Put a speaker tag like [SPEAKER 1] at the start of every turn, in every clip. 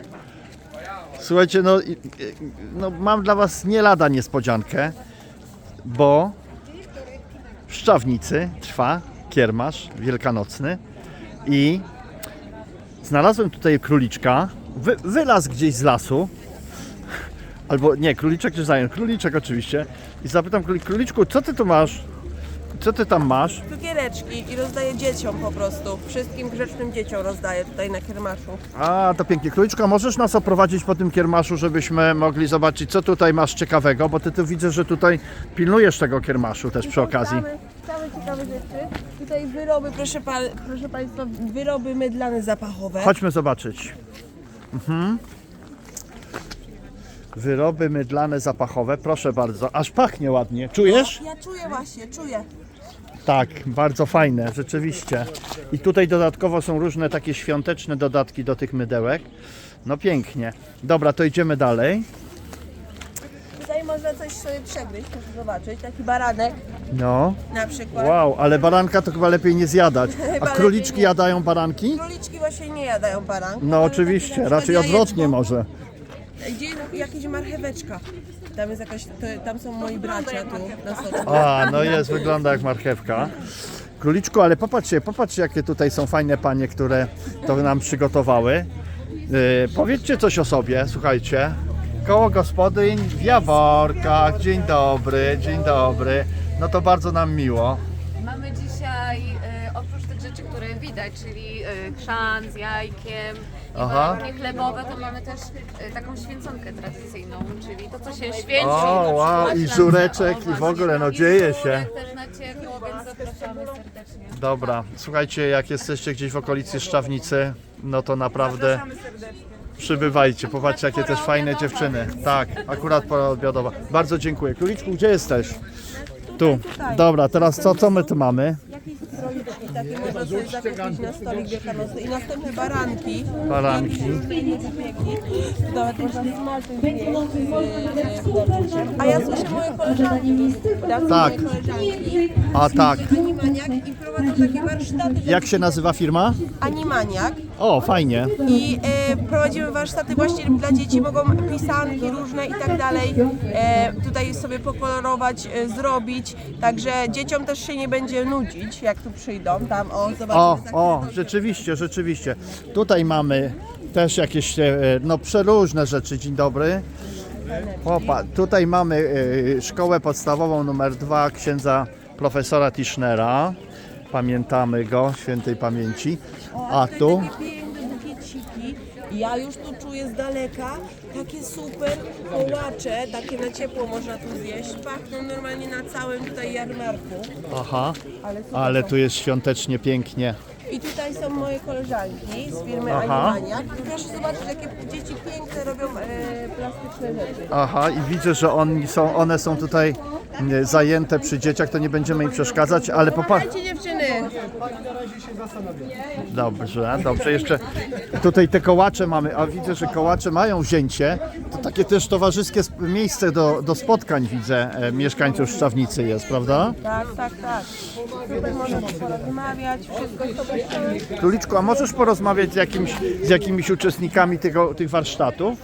[SPEAKER 1] Słuchajcie, no mam dla was nie lada niespodziankę, bo w Szczawnicy trwa kiermasz wielkanocny i znalazłem tutaj króliczka, wylazł gdzieś z lasu, albo nie, króliczek czy zając, króliczek oczywiście, i zapytam króliczku, co ty tu masz? Co ty tam masz?
[SPEAKER 2] Cukiereczki i rozdaję dzieciom po prostu. Wszystkim grzecznym dzieciom rozdaję tutaj na kiermaszu.
[SPEAKER 1] A, to pięknie. Króliczka, możesz nas oprowadzić po tym kiermaszu, żebyśmy mogli zobaczyć, co tutaj masz ciekawego, bo ty tu widzę, że tutaj pilnujesz tego kiermaszu też przy okazji.
[SPEAKER 2] Same ciekawe rzeczy. Tutaj wyroby, proszę Państwa, wyroby mydlane zapachowe.
[SPEAKER 1] Chodźmy zobaczyć. Wyroby mydlane zapachowe, proszę bardzo. Aż pachnie ładnie. Czujesz?
[SPEAKER 2] Ja czuję właśnie, czuję.
[SPEAKER 1] Tak, bardzo fajne, rzeczywiście. I tutaj dodatkowo są różne takie świąteczne dodatki do tych mydełek. No pięknie. Dobra, to idziemy dalej.
[SPEAKER 2] Tutaj można coś sobie przegryźć, proszę zobaczyć. Taki baranek
[SPEAKER 1] No.
[SPEAKER 2] na przykład.
[SPEAKER 1] Wow, ale baranka to chyba lepiej nie zjadać. A
[SPEAKER 2] Chyba
[SPEAKER 1] króliczki
[SPEAKER 2] lepiej nie.
[SPEAKER 1] jadają baranki?
[SPEAKER 2] Króliczki właśnie nie jadają baranków.
[SPEAKER 1] No
[SPEAKER 2] ale
[SPEAKER 1] oczywiście,
[SPEAKER 2] taki na
[SPEAKER 1] raczej
[SPEAKER 2] przykład
[SPEAKER 1] odwrotnie
[SPEAKER 2] jajeczko.
[SPEAKER 1] może.
[SPEAKER 2] Gdzie jakieś marcheweczka. Tam jest jakaś, tam są moi bracia tu na soczku.
[SPEAKER 1] A, no jest, wygląda jak marchewka. Króliczku, ale popatrzcie jakie tutaj są fajne panie, które to nam przygotowały. Powiedzcie coś o sobie, słuchajcie. Koło gospodyń w Jaworkach. Dzień dobry, dzień dobry. No to bardzo nam miło.
[SPEAKER 3] Mamy dzisiaj oprócz tych rzeczy, które widać, czyli chrzan z jajkiem i
[SPEAKER 1] Aha.
[SPEAKER 3] warunki chlebowe, to mamy też taką święconkę tradycyjną, czyli to, co się święci.
[SPEAKER 1] O,
[SPEAKER 3] na
[SPEAKER 1] wow,
[SPEAKER 3] przykład
[SPEAKER 1] i
[SPEAKER 3] na-
[SPEAKER 1] żureczek,
[SPEAKER 3] o,
[SPEAKER 1] i w ogóle, no
[SPEAKER 3] właśnie,
[SPEAKER 1] dzieje
[SPEAKER 3] i
[SPEAKER 1] się.
[SPEAKER 3] żurek też na ciepło, więc zapraszamy serdecznie.
[SPEAKER 1] Dobra, słuchajcie, jak jesteście gdzieś w okolicy Szczawnicy, no to naprawdę przybywajcie. Popatrzcie, jakie też fajne dziewczyny. Tak, akurat pora obiadowa. Bardzo dziękuję. Króliczku, gdzie jesteś? Tu. Dobra, teraz co my tu mamy?
[SPEAKER 2] Jakieś stroiczki takie można sobie zakupić na stolik wielkanocny. I następne baranki.
[SPEAKER 1] Baranki.
[SPEAKER 2] Nawet można smażyć. A ja słyszę moje koleżanki.
[SPEAKER 1] Tak.
[SPEAKER 2] Koleżanki.
[SPEAKER 1] A tak.
[SPEAKER 2] Animaniak i prowadzą takie warsztaty.
[SPEAKER 1] Jak się nazywa firma?
[SPEAKER 2] Animaniak.
[SPEAKER 1] O, fajnie.
[SPEAKER 2] I prowadzimy warsztaty właśnie dla dzieci, mogą pisanki różne i tak dalej tutaj sobie pokolorować, zrobić, także dzieciom też się nie będzie nudzić, jak tu przyjdą, tam zobaczymy.
[SPEAKER 1] O, rzeczywiście, rzeczywiście. Tutaj mamy też jakieś, no przeróżne rzeczy. Dzień dobry. Opa, tutaj mamy szkołę podstawową numer 2 księdza profesora Tischnera. Pamiętamy go, świętej pamięci. A tu?
[SPEAKER 2] Takie piękne bukieciki. Ja już tu czuję z daleka takie super kołacze, takie na ciepło można tu zjeść. Pachną normalnie na całym tutaj jarmarku.
[SPEAKER 1] Aha,
[SPEAKER 2] Ale super
[SPEAKER 1] ale
[SPEAKER 2] są.
[SPEAKER 1] tu jest świątecznie pięknie.
[SPEAKER 2] I tutaj są moje koleżanki z firmy
[SPEAKER 1] Aha.
[SPEAKER 2] Animaniak. I proszę zobaczyć, jakie dzieci piękne robią plastyczne rzeczy.
[SPEAKER 1] Aha, i widzę, że one są tutaj zajęte przy dzieciach, to nie będziemy im przeszkadzać, ale popatrz.
[SPEAKER 2] Dajcie dziewczyny!
[SPEAKER 1] Dobrze, dobrze, jeszcze tutaj te kołacze mamy, a widzę, że kołacze mają wzięcie. To takie też towarzyskie miejsce do spotkań, widzę, mieszkańców Szczawnicy jest, prawda?
[SPEAKER 2] Tak. Tutaj można porozmawiać, wszystko sobie ściągnąć.
[SPEAKER 1] Króliczku, a możesz porozmawiać z jakimiś uczestnikami tych warsztatów?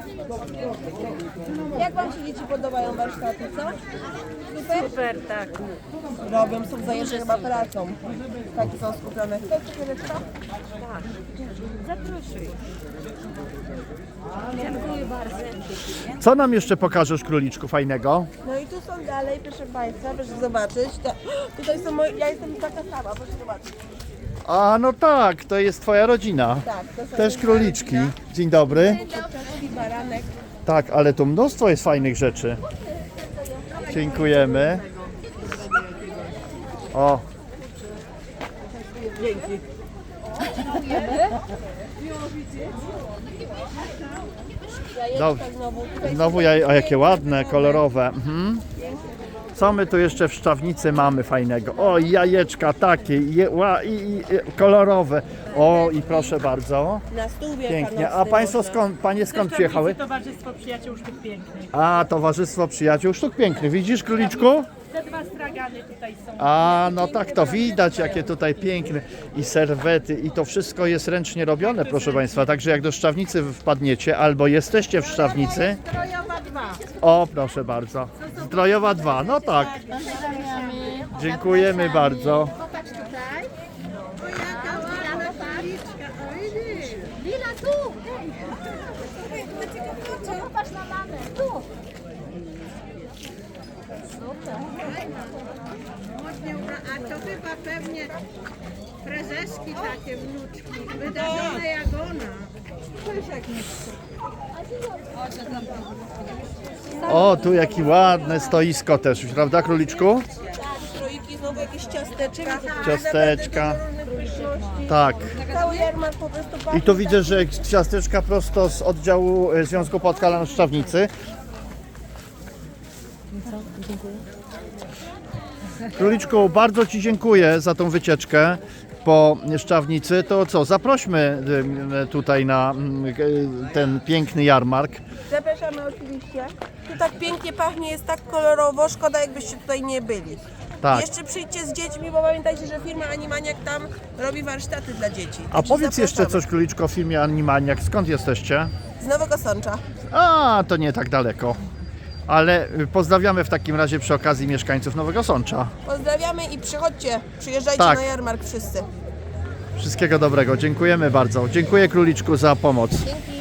[SPEAKER 2] Jak wam się dzieci podobają warsztaty, co? Super?
[SPEAKER 3] Super, tak.
[SPEAKER 2] Robią, są zajęte chyba pracą. Takie są skupione. Chcesz cukiereczka?
[SPEAKER 3] Zaproszuj. Dziękuję bardzo.
[SPEAKER 1] Co nam jeszcze pokażesz, Króliczku, fajnego?
[SPEAKER 2] No i tu są dalej, proszę Państwa, proszę zobaczyć. Tutaj są moje, ja jestem taka sama, proszę zobaczyć.
[SPEAKER 1] A, no tak, to jest twoja rodzina.
[SPEAKER 2] Tak, to są
[SPEAKER 1] Też króliczki. Dzień dobry.
[SPEAKER 2] kurczaczki, baranek.
[SPEAKER 1] Tak, ale tu mnóstwo jest fajnych rzeczy. Dziękujemy. O. Dobrze. Znowu a jakie ładne, kolorowe. Mhm. Co my tu jeszcze w Szczawnicy mamy fajnego? O, jajeczka takie, kolorowe. O, i proszę bardzo.
[SPEAKER 2] Na stół
[SPEAKER 1] Pięknie. A państwo panie skąd przyjechały?
[SPEAKER 4] Towarzystwo Przyjaciół Sztuk Pięknych.
[SPEAKER 1] A, Towarzystwo Przyjaciół Sztuk Pięknych. Widzisz, Króliczku?
[SPEAKER 4] Te dwa stragany tutaj są.
[SPEAKER 1] A, no tak, to widać, jakie tutaj piękne i serwety i to wszystko jest ręcznie robione, proszę Państwa. Także jak do Szczawnicy wpadniecie albo jesteście w Szczawnicy.
[SPEAKER 4] Zdrojowa 2.
[SPEAKER 1] O, proszę bardzo. Zdrojowa 2, no tak. Dziękujemy bardzo.
[SPEAKER 4] Popatrz tutaj. O jaka ładna paliczka. Lila tu. Popatrz na mamę. Tu.
[SPEAKER 5] A to chyba pewnie prezeski takie wnuczki, wydarzone jak ona.
[SPEAKER 1] O, tu jakie ładne stoisko też, prawda, króliczku?
[SPEAKER 2] Stroiki, znowu jakieś ciasteczka.
[SPEAKER 1] Ciasteczka.
[SPEAKER 2] Różnych pyszności.
[SPEAKER 1] Tak.
[SPEAKER 2] Cały jarmark po prostu
[SPEAKER 1] I
[SPEAKER 2] pachnie.
[SPEAKER 1] tu widzę, że ciasteczka prosto z oddziału Związku Podhalan Szczawnicy. Króliczku, bardzo Ci dziękuję za tą wycieczkę po Szczawnicy. To co, zaprośmy tutaj na ten piękny jarmark.
[SPEAKER 2] Zapraszamy oczywiście. Tu tak pięknie pachnie, jest tak kolorowo, szkoda jakbyście tutaj nie byli.
[SPEAKER 1] Tak.
[SPEAKER 2] Jeszcze przyjdźcie z dziećmi, bo pamiętajcie, że firma Animaniak tam robi warsztaty dla dzieci.
[SPEAKER 1] A
[SPEAKER 2] Także
[SPEAKER 1] powiedz jeszcze
[SPEAKER 2] zapraszamy.
[SPEAKER 1] coś, Króliczko, o filmie Animaniak. Skąd jesteście?
[SPEAKER 2] Z Nowego Sącza.
[SPEAKER 1] A, to nie tak daleko. Ale pozdrawiamy w takim razie przy okazji mieszkańców Nowego Sącza.
[SPEAKER 2] Pozdrawiamy i przychodźcie, przyjeżdżajcie
[SPEAKER 1] Tak.
[SPEAKER 2] na jarmark wszyscy.
[SPEAKER 1] Wszystkiego dobrego. Dziękujemy bardzo. Dziękuję, Króliczku, za pomoc.
[SPEAKER 2] Dzięki.